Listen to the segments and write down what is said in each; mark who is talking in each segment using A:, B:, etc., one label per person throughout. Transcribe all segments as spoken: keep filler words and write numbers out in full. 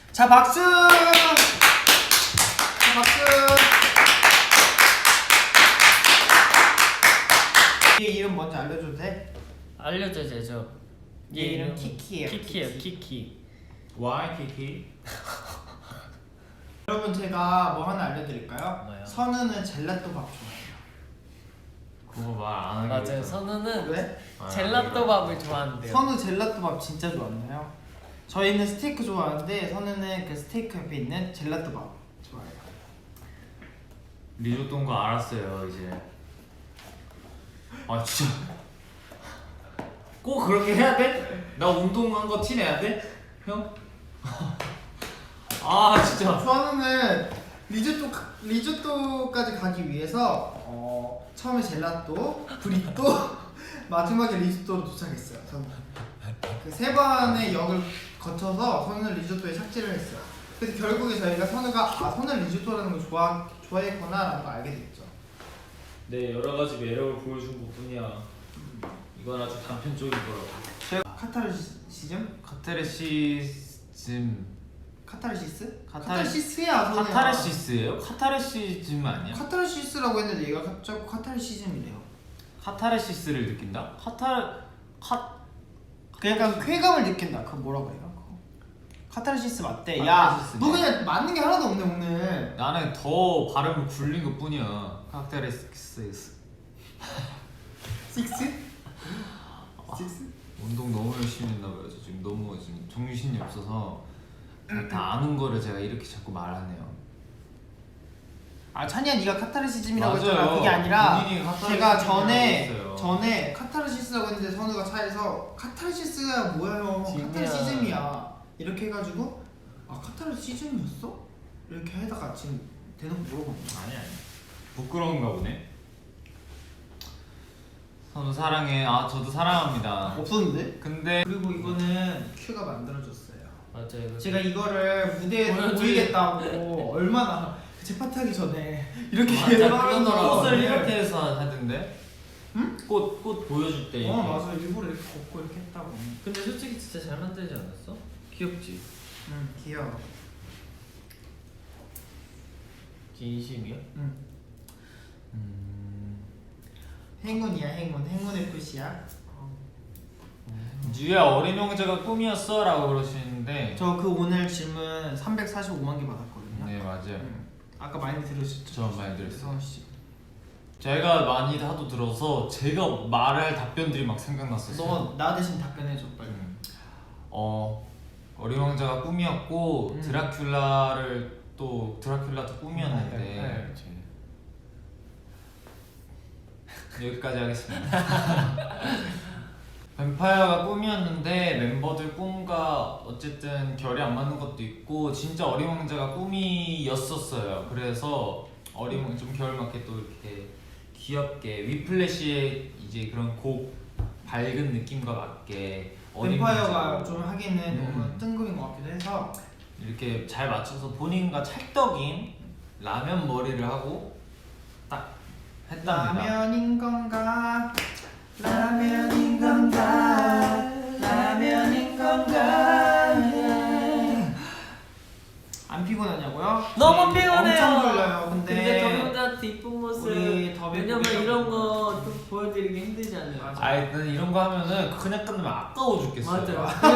A: 자 박수. 자 박수. 얘 이름 뭔지 알려줘도 돼?
B: 알려줘 되죠.
A: 얘 이름 키키예요.
B: 키키예요. 키키.
C: Why 키키?
A: 여러분 제가 뭐 하나 알려드릴까요?
B: 뭐요?
A: 선우는 젤라또 밥 좋아해요.
C: 그거 말 안 하기로
B: 맞아요.
C: 했잖아.
B: 선우는
A: 왜?
C: 아,
B: 젤라또 밥을 좋아한대요.
A: 선우 젤라또 밥 진짜 좋아하나요? 저희는 스테이크 좋아하는데 선우는 그 스테이크 옆에 있는 젤라또 밥 좋아해요.
C: 리조또인 거 알았어요 이제. 아 진짜 꼭 그렇게 해야 돼? 나 운동한 거 티내야 돼? 형? 아 진짜
A: 선우는 리조또 리조또까지 가기 위해서 어, 처음에 젤라또, 브리또, 마지막에 리조또로 도착했어요. 선우. 그세 번의 역을 거쳐서 선우는 리조또에 착지를 했어요. 그래서 결국에 저희가 선우가 아 선우는 리조또라는 걸 좋아 좋아했구나라는 걸 알게 됐죠.
C: 네 여러 가지 매력을 보여준 것뿐이야. 이건 아주 단편적인 거라고.
A: 제가 카타르시즘?
C: 카타르시즘
A: 카타르시스?
C: 카타르-
A: 카타르시스야. 선우야.
C: 카타르시스예요? 카타르시즘 아니야?
A: 카타르시스라고 했는데 얘가 갑자기 카타르시즘이래요.
C: 카타르시스를 느낀다? 카타르 카
A: 그 약간 쾌감을 느낀다. 그거 뭐라고 해요? 그거? 카타르시스 맞대. 야,
C: 카타르시스.
A: 너 그냥 맞는 게 하나도 없네 오늘.
C: 나는 더 발음을 굴린 것 뿐이야. 카타르시스.
A: 식스? 식스?
C: 운동 너무 열심히 했나봐요. 저 지금 너무 지금 정신이 없어서 다 아는 거를 제가 이렇게 자꾸 말하네요.
A: 아 찬이야, 네가 카타르시즘이라고
C: 맞아요.
A: 했잖아. 그게 아니라
C: 본인이 카타르시즘이라고
A: 제가 전에
C: 했어요.
A: 전에 카타르시스라고 했는데 선우가 차에서 카타르시스가 뭐야 형?
B: 짐이야.
A: 카타르시즘이야. 이렇게 해가지고 아 카타르시즘이었어? 이렇게 하다가 지금 대놓고 물어봤는데
C: 아니 아니. 부끄러운가 보네. 선우 사랑해. 아 저도 사랑합니다.
A: 없었는데?
C: 근데
A: 그리고 이거는 큐가 만들어줬어요.
B: 맞아요.
A: 제가 이거를 무대에
B: 보여주기-
A: 보이겠다고 얼마나 제 파티 하기 전에 이렇게
B: 맞아,
A: 계속
B: 그러더라고.
C: 꽃을 이렇게 해서 하던데?
A: 응?
C: 꽃, 꽃 보여줄 때 이렇게.
A: 어 맞아, 일부러 이렇게 걷고 이렇게 했다고.
B: 근데 솔직히 진짜 잘 만들지 않았어? 귀엽지?
A: 응 귀여워.
B: 진심이야?
A: 응
C: 음...
A: 행운이야 행운. 행운의 표시야.
C: 유야 어린 형제가 꿈이었어 라고 그러시는데
A: 저 그 오늘 질문 삼백사십오만 개 받았거든요.
C: 네 맞아요.
A: 응. 아까 많이 들으셨죠?
C: 저 많이 들었어요.
A: 성원 씨.
C: 제가 많이 하도 들어서 제가 말할 답변들이 막 생각났었어요.
A: 너 나 대신 답변해줘 빨리.
C: 음. 어 어린 왕자가 꿈이었고
A: 음.
C: 드라큘라를 또 드라큘라도 꿈이었는데
A: 네, 네.
C: 여기까지 하겠습니다. 뱀파이어가 꿈이었는데 멤버들 꿈과 어쨌든 결이 안 맞는 것도 있고 진짜 어린 왕자가 꿈이었었어요. 그래서 어린 왕 좀 결 맞게 또 이렇게 귀엽게 위플래시의 이제 그런 곡 밝은 느낌과 맞게 어린
A: 뱀파이어가
C: 왕자로
A: 좀 하기는
C: 음.
A: 너무 뜬금인 것 같기도 해서
C: 이렇게 잘 맞춰서 본인과 찰떡인 라면 머리를 하고 딱 했답니다.
A: 라면인 건가? 라면인 건가? 라면인 건가? 안 피곤하냐고요?
B: 너무
A: 네,
B: 피곤해요.
A: 엄청 졸려요. 근데,
B: 근데 더비분들한테 이쁜 모습.
A: 우리 더비
B: 왜냐면
A: 보기
B: 이런
A: 때문에.
B: 거 또 보여드리기 힘들지 않나요?
A: 맞아.
C: 아이 난 이런 거 하면은 그냥 끝나면 아까워 죽겠어요.
B: 맞아. 그래,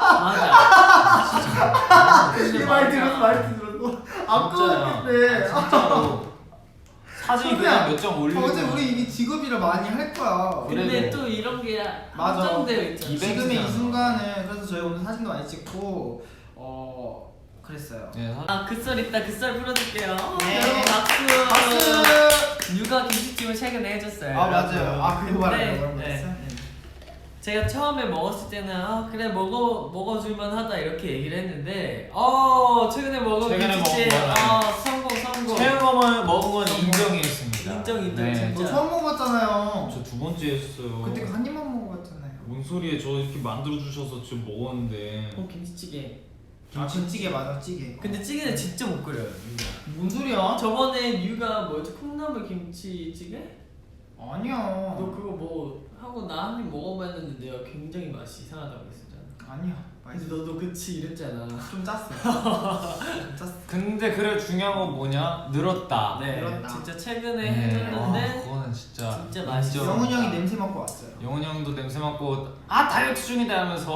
B: 맞아.
A: 이
B: 근데
A: 말
B: 맞아.
A: 들었어, 말 들었어. 아까웠겠네.
C: 아, 진짜로 사진 그냥 몇 장 올리고
A: 어제 우리 이게 직업이라 많이 할 거야.
B: 근데
C: 그래도-
B: 또 이런 게
A: 맞아.
B: 한정되어 있잖아.
C: 이벤트잖아.
A: 지금의 이 순간은 그래서 저희 오늘 사진도 많이 찍고 어 그랬어요.
C: 네, 사...
B: 아, 그 썰 있다. 그 썰 풀어줄게요.
A: 네.
B: 여러분 박수.
A: 박수.
B: 육아 김치찜을 최근에 해줬어요.
A: 아 맞아요. 아 그거 말하는
B: 네,
A: 거라고
B: 네.
A: 했어?
B: 제가 처음에 먹었을 때는 아 그래 먹어 먹어줄만 하다 이렇게 얘기를 했는데 어 최근에 먹은
C: 최근에
B: 김치찜
C: 먹은 거는
B: 아 성공 성공.
C: 체험을 먹은 건 인정이었습니다.
B: 인정, 인정,
C: 네.
B: 진짜.
A: 너 처음 먹어봤잖아요.
C: 저 두 번째 했어요.
A: 그때 한 입만 먹어봤잖아요.
C: 뭔 소리에 저 이렇게 만들어 주셔서 지금 먹었는데.
B: 어 김치찌개.
A: 아 김치찌개 맞아, 찌개.
B: 근데 찌개는 진짜 못 끓여요. 유가.
A: 뭔 소리야?
B: 저번에 유가 뭐였지 콩나물 김치찌개?
A: 아니야.
B: 너 그거 뭐 하고 나 한 입 먹어봤는데 내가 굉장히 맛이 이상하다고 했었잖아.
A: 아니야.
B: 근데 너도 그치 이랬잖아.
A: 좀 짰어. 좀 짰어.
C: 근데 그래 중요한 건 뭐냐? 늘었다.
B: 네,
A: 그렇다.
B: 진짜 최근에
C: 네.
B: 해줬는데
C: 아, 그거는 진짜
B: 진짜 맛있어.
C: 인정.
A: 영훈이 형이 냄새 맡고 왔어요.
C: 영훈이 형도 냄새 맡고 아 다이어트 중이다 하면서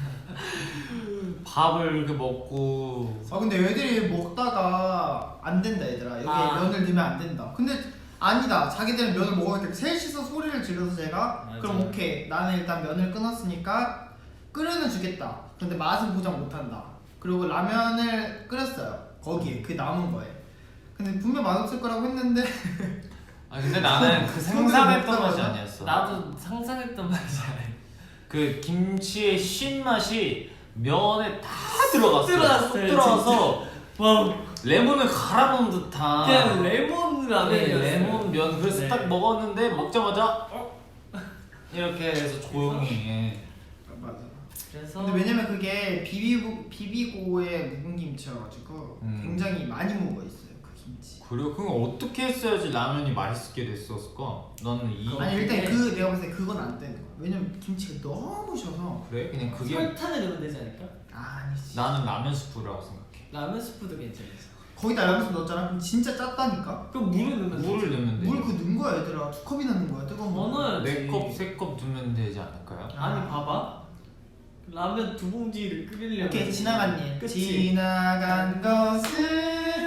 C: 밥을 이렇게 먹고
A: 아 근데 애들이 먹다가 안 된다 얘들아. 여기
B: 아.
A: 면을 넣으면 안 된다. 근데 아니다. 자기들은 면을 먹어야 돼. 셋이서 소리를 질러서 제가
B: 맞아.
A: 그럼 오케이. 나는 일단 면을 끊었으니까 끓여는 주겠다. 근데 맛은 보장 못한다. 그리고 라면을 끓였어요. 거기에 그 남은 거에. 근데 분명 맛없을 거라고 했는데
C: 아 근데 나는 그 상상했던 맛이 아니었어.
B: 나도 상상했던 맛이 아니야.
C: 그 김치의 신 맛이 면에 다 들어갔어.
B: 들어갔어요,
C: 쏙 들어가서
B: 와,
C: 레몬을 갈아 넣은 듯한.
B: 그냥 레몬
C: 네,
B: 라면이었어요.
C: 레몬 면 그래서
B: 네.
C: 딱 먹었는데 먹자마자 어? 이렇게 해서 조용히. 예.
A: 맞아.
B: 그래서
A: 근데 왜냐면 그게 비비고 비비고의 묵은 김치여가지고
C: 음.
A: 굉장히 많이 묵어 있어요 그 김치.
C: 그리고 그건 어떻게 했어야지 라면이 맛있게 됐었을까? 나는 이
A: 아니 일단
B: 그게-
A: 그 내가 봤을 때 그건 안 되는 거야. 왜냐면 김치가 너무 셔서.
C: 그래? 그냥 그게
B: 설탕을 넣으면 되지 않을까?
A: 아, 아니지.
C: 나는 라면 스프라고 생각해.
B: 라면 스프도 괜찮았어.
A: 거기다 라면스 넣었잖아. 그럼 진짜 짰다니까.
B: 그럼 물을 넣으면
C: 물을 넣으면 돼.
A: 물 그 넣은 거야 얘들아. 두 컵이나 넣은 거야 뜨거운 거.
B: 어느-
C: 네 컵, 세 컵 두면 되지 않을까요?
B: 아니 봐봐. 라면 두 봉지를 끓이려면
A: 오케이 지나간 일.
B: 그치?
A: 지나간 것은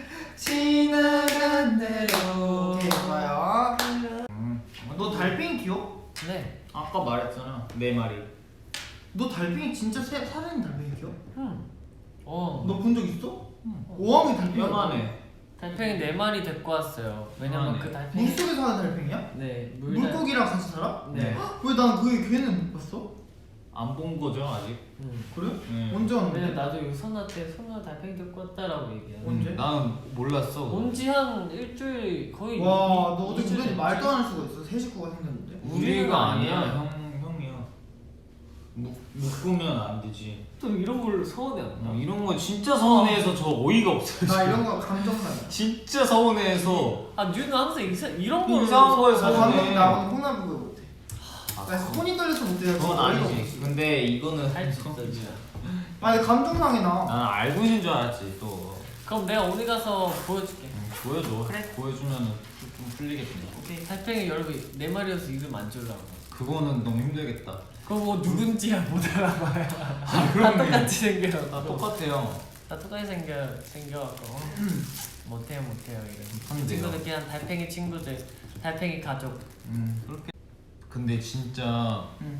A: 지나간 대로. 오케이 좋아요.
C: 음.
A: 너 달팽이 귀여워?
B: 네.
C: 아까 말했잖아 네 마리.
A: 너 달팽이 진짜 새, 살아있는 달팽이 귀여워?
B: 음. 어.
A: 너 본 적 있어?
C: 음.
A: 오왕이 달팽이.
C: 요만해.
B: 달팽이 네 마리 데리고 왔어요. 왜냐면
C: 아,
B: 그
C: 네.
B: 달팽이
A: 물속에 사는 달팽이야?
B: 네 물.
A: 물고기랑 같이 살아?
B: 네.
A: 왜 난 그게 걔는 못 봤어?
C: 안 본 거죠 아직?
B: 음.
A: 그래?
C: 네.
A: 언제 왔는데?
B: 왜냐면 나도 이거 선아한테 선아 달팽이 데리고 왔다라고 얘기해.
A: 언제?
C: 음, 나는 몰랐어.
B: 온지 한 일주일 거의.
A: 와, 너 어제
B: 이주일
A: 우연히
B: 됐지?
A: 말도 안 할 수가 있어. 새 식구가 생겼는데.
C: 우리가 아니야
B: 아니야.
C: 형 형이야. 묵 묶으면 안 되지.
B: 또 이런 걸로 서운해 안 나?
C: 어, 이런 거 진짜 서운해서 저 어이가 없어요.
A: 나
C: 지금.
A: 이런 거 감정상이야.
C: 진짜 서운해서
B: 아 뉴는 항상 이사, 이런 걸로
C: 이상한 거에
A: 나
C: 서운해.
A: 감동 나 오늘 홍나부가 못해.
C: 아,
A: 나 손이 떨려서 못해.
C: 그건 아니지. 근데 이거는
B: 할수 있어 진짜.
A: 아니 감정상이 나.
C: 나는 알고 있는 줄 알았지 또.
B: 그럼 내가 오늘 가서 보여줄게.
C: 음, 보여줘.
B: 그래.
C: 보여주면은 좀, 좀 풀리겠지.
B: 오케이. 달팽이 여러분 네 마리여서 이름 안 지으려고.
C: 그거는 너무 힘들겠다.
B: 그거 뭐 누군지야 못 알아봐요.
C: 아
B: 다 똑같이 생겨.
C: 다 똑같아요.
B: 다 똑같이 생겨 생겨갖고 못해요 못해요 이런. 그
C: 한데요.
B: 친구들 그냥 달팽이 친구들, 달팽이 가족.
C: 음 그렇게. 근데 진짜
A: 응.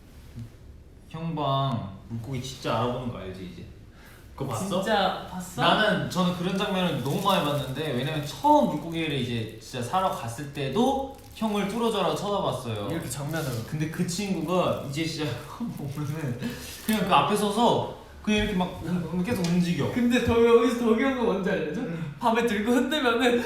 C: 형방 물고기 진짜 알아보는 거 알지 이제? 그거 봤어?
B: 진짜 봤어?
C: 나는 저는 그런 장면을 너무 많이 봤는데 왜냐면 처음 물고기를 이제 진짜 사러 갔을 때도 형을 뚫어져라 쳐다봤어요.
B: 이렇게 정면으로.
C: 근데 그 친구가 이제 진짜 보면은 그냥 그 앞에 서서 그냥 이렇게 막 음, 계속 움직여.
B: 근데 더 여기서 더 귀여운 거 뭔지 알려줘? 밤에 들고 흔들면은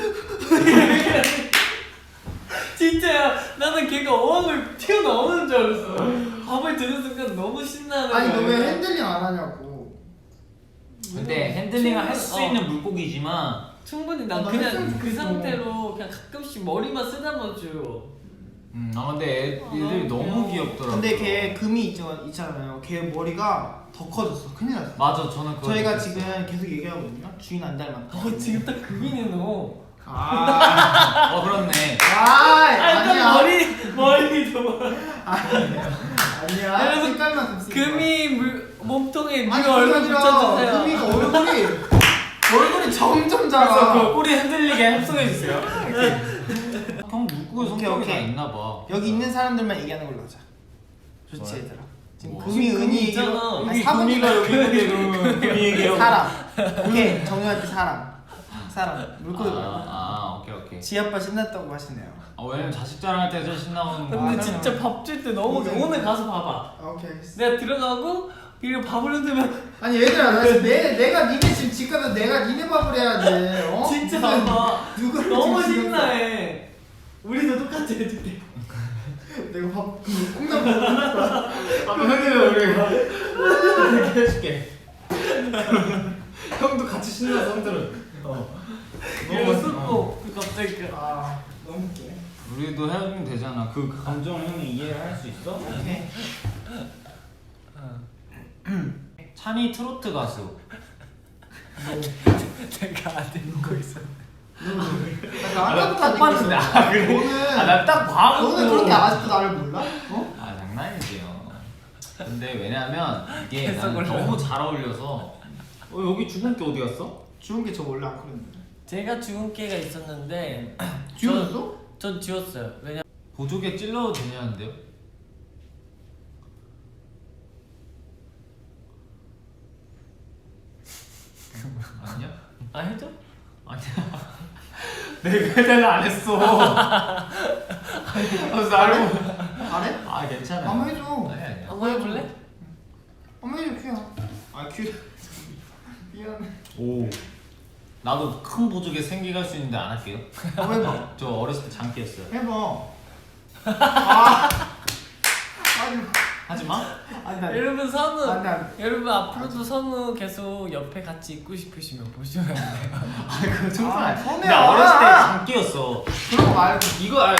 B: 진짜야. 나는 걔가 어항을 튀어나오는 줄 알았어. 밤에 드는 순간 너무 신나는
A: 아니 너
B: 거야.
A: 왜 핸들링 안 하냐고.
C: 근데 핸들링을 할 수
B: 어.
C: 있는 물고기지만
B: 충분히 난
A: 어, 나
B: 그냥
A: 했으면
B: 그
A: 좋겠어.
B: 상태로 그냥 가끔씩 머리만 쓰다듬어줘.
C: 음, 아 근데 애,
B: 아,
C: 애들이
B: 너무
C: 너무
B: 귀여워.
C: 귀엽더라고.
A: 근데 걔 금이 있죠, 있잖아요. 걔 머리가 더 커졌어. 큰일 났어.
C: 맞아 저는 그거
A: 저희가
C: 느꼈어.
A: 지금 계속 얘기하거든요. 주인 안 닮았다.
B: 어 지금 딱 금이네 너.
A: 아,
C: 어 그렇네.
A: 아,
B: 일단
A: 아니야.
B: 머리 머리 좀.
A: 아니야. 아니야.
B: 여러분,
A: 색깔만 좀 쓰지 마.
B: 금이 물 몸통에
A: 아니
B: 네 얼굴
A: 그게 아니라
B: 붙여주세요.
A: 금이가 얼굴이 얼굴이 점점
C: 그래서
A: 작아.
C: 그 꼬리 흔들리게 합성해 주세요. 형 물고기
A: 오케이,
C: 성격이 다
A: 오케이.
C: 있나 봐.
A: 여기 있는 사람들만 얘기하는 걸로 하자. 좋지
C: 좋아요.
A: 얘들아. 지금
C: 뭐.
A: 금이
B: 금이
A: 은이
B: 있잖아.
A: 이런- 아니,
C: 여기
A: 사부님
C: 금이가 여기 있는데 그러면 금이 얘기하고.
A: 사람. 오케이 정리할 때 사람. 사람. 물고기 말고.
C: 아, 아 오케이 오케이.
A: 지아빠 신났다고 하시네요.
C: 아 왜냐면 자식 자랑할 때 제일 신나는 거.
B: 근데
A: 아,
B: 진짜 밥 줄 때 너무
A: 오케이.
B: 오늘 가서 봐봐.
A: 아, 오케이 알겠어.
B: 내가 들어가고 그리고 밥을 흔들면
A: 아니 얘들아 나 지금 내 내가 니네 지금 집 가면 내가 니네 밥을 해야 돼. 어?
B: 진짜
A: 무슨-
B: 봐봐.
A: 누가
B: 너무
A: 지금
B: 신나해. 우리도 똑같이 해줄게.
A: 내가 밥 콩나물 먹을 거야.
C: 아 형이면 우리가 이렇게 해줄게. 형도 같이 신나서 흔들어. 어.
B: 그리고
C: 너무
B: 쏟고 그 갑자기 그
A: 아 너무 웃겨.
C: 우리도 해주면 되잖아. 그 감정 형이 이해를 할 수 있어?
A: 오케이.
B: 어.
C: 찬이 트로트 가수.
B: 내가 안 되는 거 있어.
A: 나 아까부터 안
C: 봤는데 아 그래?
A: 너는
C: 아나딱 봐.
A: 너는 그렇게 아직도 나를 몰라? 어?
C: 아 장난이지요. 근데 왜냐면 이게
B: 계속
C: 나는
B: 올라가.
C: 너무 잘 어울려서. 어 여기 죽은 게 어디 갔어?
A: 주운 게 저 원래 안 그랬는데.
B: 제가 죽은 깨가 있었는데
A: 지웠어?
B: 전 지웠어요. 왜냐
C: 보조개 찔러도 되냐는데요? 아니야?
B: 아 해줘?
C: 아니야. 내가 해달안 했어. 그래서 나를
A: 안 해?
C: 아 괜찮아.
A: 한번 해줘.
C: 아니 아니야.
B: 한번 해볼래?
A: 한번 해줘 큐야. 아 큐. 미안해.
C: 오. 나도 큰 보조개 생기갈 수 있는데 안 할게요.
A: 한번 해봐.
C: 저 어렸을 때 장기였어요.
A: 해봐. 아. 아니.
C: 하지 마.
A: 아니 나.
B: 여러분 선우
A: 아니 나.
B: 여러분 앞으로도 선우 계속 옆에 같이 있고 싶으시면 보시면 돼요.
C: 아 그거 정말.
A: 아,
C: 아,
A: 선우야.
C: 나 어렸을 때 장기였어.
A: 그런 거 말고.
C: 이거 알.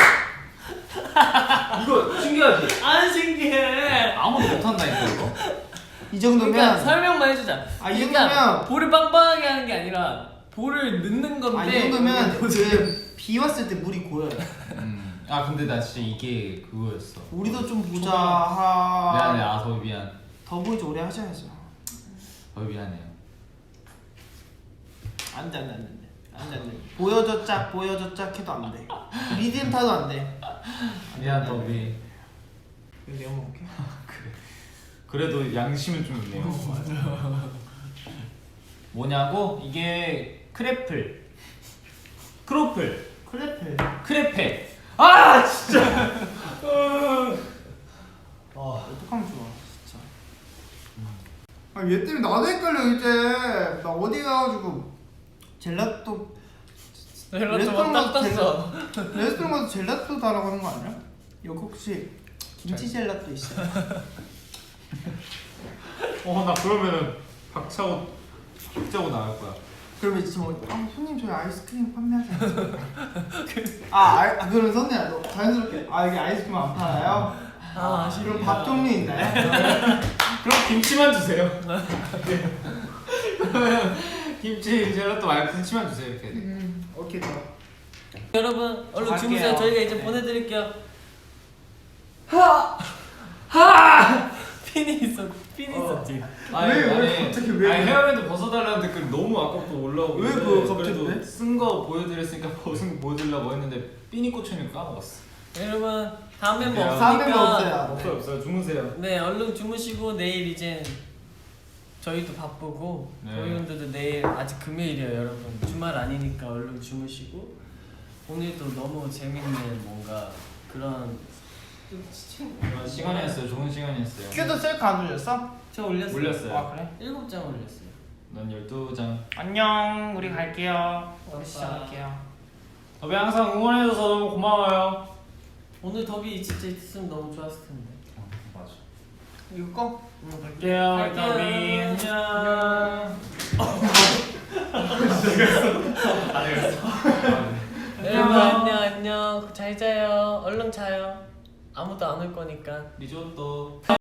C: 이거 신기하지?
B: 안 신기해.
C: 아무도 못한다니까 이거.
A: 이 정도면.
B: 그러니까 설명만 해주자.
A: 아, 이
B: 그러니까
A: 정도면-
B: 볼을 빵빵하게 하는 게 아니라 볼을 넣는 건데.
A: 아, 이 정도면 그 비 왔을 때 물이 고여요.
C: 음. 아 근데 나 진짜 이게 그거였어.
A: 우리도 좀 보자.
C: 미안해.
A: 하.
C: 아 더 미안.
A: 더 보이지 오래 하셔야죠.
C: 더 미안해요.
A: 안돼 안돼 안돼 안돼 안돼. 보여줘 짝 보여줘 짝 해도 안 돼. 리듬 타도 안 돼.
C: 미안 더비.
A: 이거 내가 먹을게.
C: 그래도 양심은 좀 있네요. 뭐냐고? 이게 크래플, 크로플,
A: 크래플.
C: 크레페. 아 진짜.
A: 아 어떡하면 좋아 진짜. 아얘 때문에 나도 헷갈려 이제. 나 어디 가가지고 젤라또
B: 헬로
A: 레스토랑
B: 딱
A: 가서
B: 떴어.
A: 젤라 레스토랑 가서 젤라또 달라고 하는 거 아니야? 여기 혹시 김치 젤라또 있어요?
C: 어나 그러면은 박차고 박차고 나갈 거야.
A: 그러면 지금 어, 아 손님 저희 아이스크림 판매하지 않죠? 아, 아, 아 그럼 선생님 너 자연스럽게 아 여기 아이스크림 안 팔아요?
B: 아
A: 그럼 밥 종류 있나요?
C: 그럼 김치만 주세요. 그러면 김치 젤라또 말고 김치만 주세요 이렇게.
A: 음 오케이 좋아.
B: 여러분 얼른
C: 갈게요.
B: 주무세요. 저희가 이제
C: 네.
B: 보내드릴게요. 하! 하! 핀이 있었, 핀이 있었지.
C: 아니,
A: 왜, 왜
C: 아니,
A: 갑자기 왜
C: 아니
A: 그래?
C: 헤어밴드 벗어달라는 댓글 너무 아깝고 올라오고
A: 왜
C: 있는데
A: 그거 갑자기
C: 그래도
A: 왜?
C: 쓴 거 보여드렸으니까 벗은 거 보여드리려고 했는데 삐니 꽂혀니까 까먹었어.
B: 여러분 다음 멤버
C: 네,
A: 다음 멤버
B: 없으니까
A: 없어요.
C: 없어요 없어요 주무세요.
B: 네 얼른 주무시고 내일 이제 저희도 바쁘고
C: 네.
B: 저희분들도 내일 아직 금요일이에요 여러분. 주말 아니니까 얼른 주무시고 오늘도 너무 재밌는 뭔가 그런
C: 좋은 시간이었어요. 좋은 시간이었어요.
A: 큐도 셀카 안 올렸어?
B: 저 올렸어요.
C: 올렸어요.
A: 아 그래?
B: 일곱 장 올렸어요.
C: 난 열두 장.
A: 안녕 우리 갈게요.
B: 빠빠.
A: 시작할게요.
C: 더비 항상 응원해줘서 너무 고마워요.
B: 오늘 더비 진짜 있었으면 너무 좋았을 텐데.
C: 맞아.
A: 이거 꺼?
B: 오늘
C: 갈게요.
B: 갈게요.
C: 더비 안녕. 안 되겠어.
B: 여러분 안녕 안녕 잘 자요. 얼른 자요. 아무도 안 올 거니까.
C: 리조또.